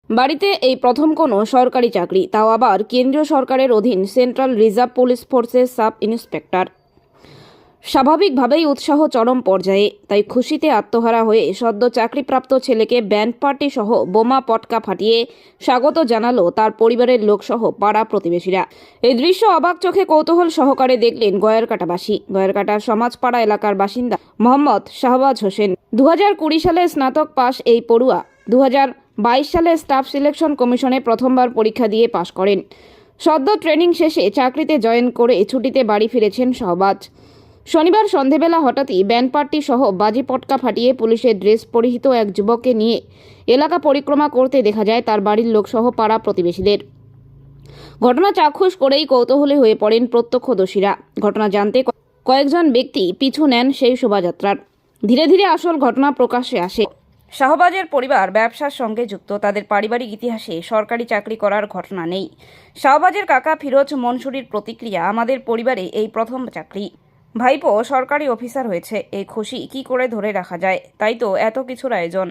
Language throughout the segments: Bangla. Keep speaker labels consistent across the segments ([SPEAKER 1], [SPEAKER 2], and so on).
[SPEAKER 1] বাড়িতে এই প্রথম কোনো সরকারি চাকরি, তাও আবার কেন্দ্রীয় সরকারের অধীন সেন্ট্রাল রিজার্ভ পুলিশ ফোর্সের সাব ইন্সপেক্টর। স্বাভাবিকভাবেই উৎসাহ চরম পর্যায়ে। তাই খুশিতে আত্মহারা হয়ে সদ্য চাকরিপ্রাপ্ত ছেলেকে ব্যান্ড পার্টি সহ বোমা পটকা ফাটিয়ে স্বাগত জানালো তার পরিবারের লোকসহ পাড়া প্রতিবেশীরা। এই দৃশ্য অবাক চোখে কৌতূহল সহকারে দেখলেন গয়েরকাটাবাসী। গয়েরকাটার সমাজপাড়া এলাকার বাসিন্দা মোহাম্মদ শাহবাজ হোসেন। 2020 সালে স্নাতক পাশ এই পড়ুয়া 2022 সালে স্টাফ সিলেকশন কমিশনে প্রথমবার পরীক্ষা দিয়ে পাশ করেন। সদ্য ট্রেনিং শেষে চাকরিতে জয়েন করে ছুটিতে বাড়ি ফিরেছেন শাহবাজ। শনিবার সন্ধেবেলা হঠাৎই ব্যান্ড পার্টি সহ বাজি পটকা ফাটিয়ে পুলিশের ড্রেস পরিহিত এক যুবককে নিয়ে এলাকা পরিক্রমা করতে দেখা যায় তার বাড়ির লোকসহ পাড়া প্রতিবেশীদের। ঘটনা চাক্ষুষ করেই কৌতূহলী হয়ে পড়েন প্রত্যক্ষদর্শীরা। ঘটনা জানতে কয়েকজন ব্যক্তি পিছু নেন সেই শোভাযাত্রার। ধীরে ধীরে আসল ঘটনা প্রকাশ্যে আসে। শাহবাজের পরিবার ব্যবসার সঙ্গে যুক্ত। তাদের পারিবারিক ইতিহাসে সরকারি চাকরি করার ঘটনা নেই। শাহবাজের কাকা ফিরোজ মনসুরির প্রতিক্রিয়া, আমাদের পরিবারে এই প্রথম চাকরি। ভাইপো সরকারি অফিসার হয়েছে, এই খুশি কি করে ধরে রাখা যায়, তাই তো এত কিছুর আয়োজন।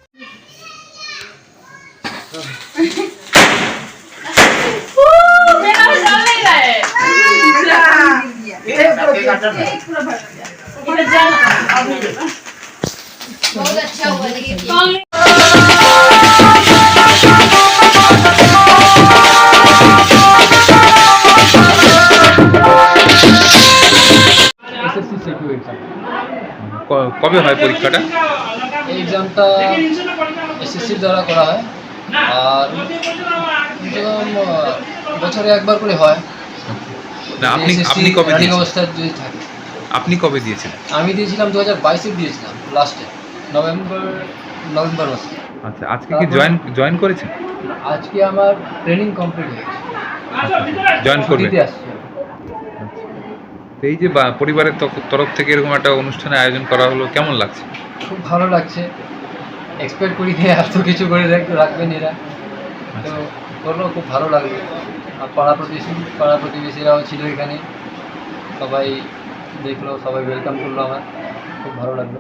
[SPEAKER 2] কবে হয় পরীক্ষাটা?
[SPEAKER 3] এক্সামটা এসএসসি দ্বারা করা হয়, আর বছরে একবার করে হয়।
[SPEAKER 2] না, আপনি কবে দিয়েছেন?
[SPEAKER 3] অবস্থায় যদি থাকে।
[SPEAKER 2] আপনি কবে দিয়েছেন?
[SPEAKER 3] আমি দিয়েছিলাম 2022-এ দিয়েছিলাম, লাস্টে নভেম্বর মাসে।
[SPEAKER 2] আচ্ছা, আজকে কি জয়েন করেছেন?
[SPEAKER 3] আজকে আমার ট্রেনিং কমপ্লিট হয়েছে,
[SPEAKER 2] জয়েন করবেন।
[SPEAKER 3] দিতে আসছি।
[SPEAKER 2] এই যে পরিবারের তরফ থেকে এরকম একটা অনুষ্ঠানের আয়োজন করা হলো, কেমন লাগছে?
[SPEAKER 3] খুব ভালো লাগছে, এক্সপেক্ট করি যে এত কিছু করে রাখবেন এরা, তো করলো, খুব ভালো লাগলো। আর পাড়া প্রতিবেশীরাও ছিল এখানে, সবাই দেখলো, সবাই ওয়েলকাম করলো, আমার খুব ভালো লাগলো।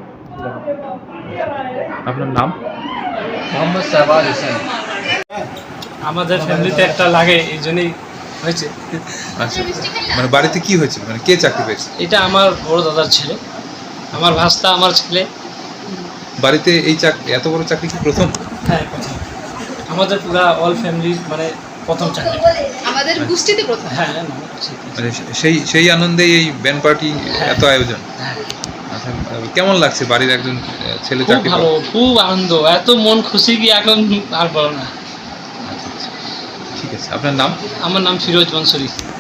[SPEAKER 2] আপনার নাম?
[SPEAKER 3] মোহাম্মদ শাহবাজ হোসেন।
[SPEAKER 4] আমাদের ফ্যামিলিতে একটা লাগে, এই জন্যই হয়েছে।
[SPEAKER 2] আচ্ছা, মানে বাড়িতে কি হয়েছে, মানে কে চাকরি পেয়েছে?
[SPEAKER 4] এটা আমার বড় দাদার ছেলে, আমার ভাস্তা, আমার ছেলে।
[SPEAKER 2] বাড়িতে এই এত বড় চাকরি কি প্রথম?
[SPEAKER 4] হ্যাঁ, প্রথম। আমাদের পুরা অল ফ্যামিলির মানে প্রথম চাকরি,
[SPEAKER 5] আমাদের গোষ্ঠীতে প্রথম।
[SPEAKER 4] হ্যাঁ।
[SPEAKER 2] মানে সেই আনন্দেই এই ব্যান্ড পার্টি, এত আয়োজন।
[SPEAKER 4] হ্যাঁ,
[SPEAKER 2] আচ্ছা, কেমন লাগছে বাড়ির একজন ছেলে
[SPEAKER 4] খুব
[SPEAKER 2] চাকরি?
[SPEAKER 4] ভালো, খুব আনন্দ, এত মন খুশি কি এখন আর বলো না।
[SPEAKER 2] ঠিক আছে, আপনার নাম?
[SPEAKER 4] আমার নাম ফিরোজ মনসুরি।